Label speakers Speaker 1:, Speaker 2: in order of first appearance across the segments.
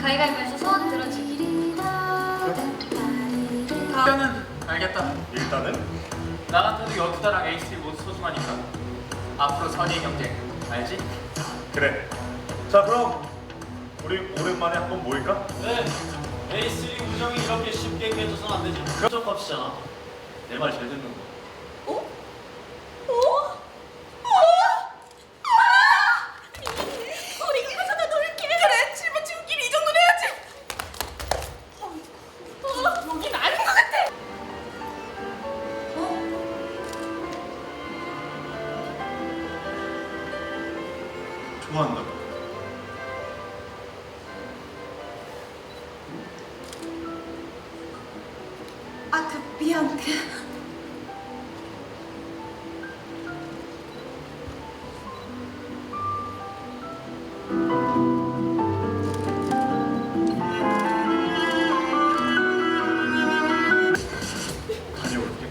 Speaker 1: 가위바위보해서 소원 들어주기.
Speaker 2: 일단은 알겠다.
Speaker 3: 일단은
Speaker 2: 나 같아도 여투다랑 A3 모두 소중하니까 앞으로 선의의 경쟁 알지?
Speaker 3: 그래. 자 그럼 우리 오랜만에 한번 모일까?
Speaker 4: 네, A3 우정이 이렇게 쉽게 깨져선 안 되지. 그쪽 값이잖아. 내 말 잘 듣는 거.
Speaker 1: 어? 우리 가서나 놀기. 그래, 친구끼리 이 정도는 해야지. 여긴 아닌 것 같아.
Speaker 3: 좋아한다고.
Speaker 1: 미안.
Speaker 3: 다녀올게.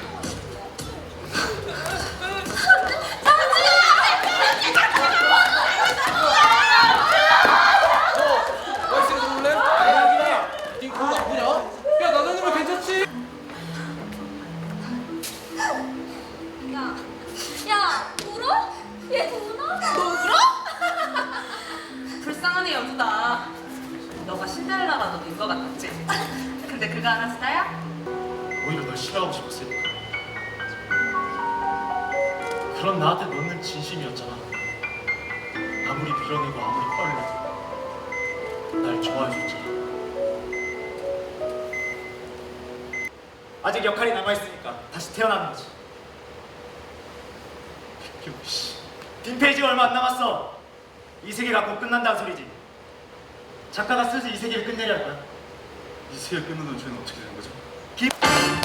Speaker 1: 야, 울어? 얘 울어? 너 울어?
Speaker 5: 불쌍한 애 여주다. 너가 신데렐라라도 된 거 같았지? 근데 그거 아나스타야?
Speaker 4: 오히려 널 싫어하고 싶었으니까. 그런 나한테 너는 진심이었잖아. 아무리 빌어내고 아무리 뻘내도 날 좋아해줬잖아.
Speaker 6: 아직 역할이 남아있으니까 다시 태어나는 거지.
Speaker 4: 백규 씨.
Speaker 6: 빈페이지가 얼마 안 남았어. 이 세계가 곧 끝난다는 소리지. 작가가 슬슬 이 세계를 끝내려 할 거야.
Speaker 3: 이 세계 끊는 죄는 어떻게 되는 거죠?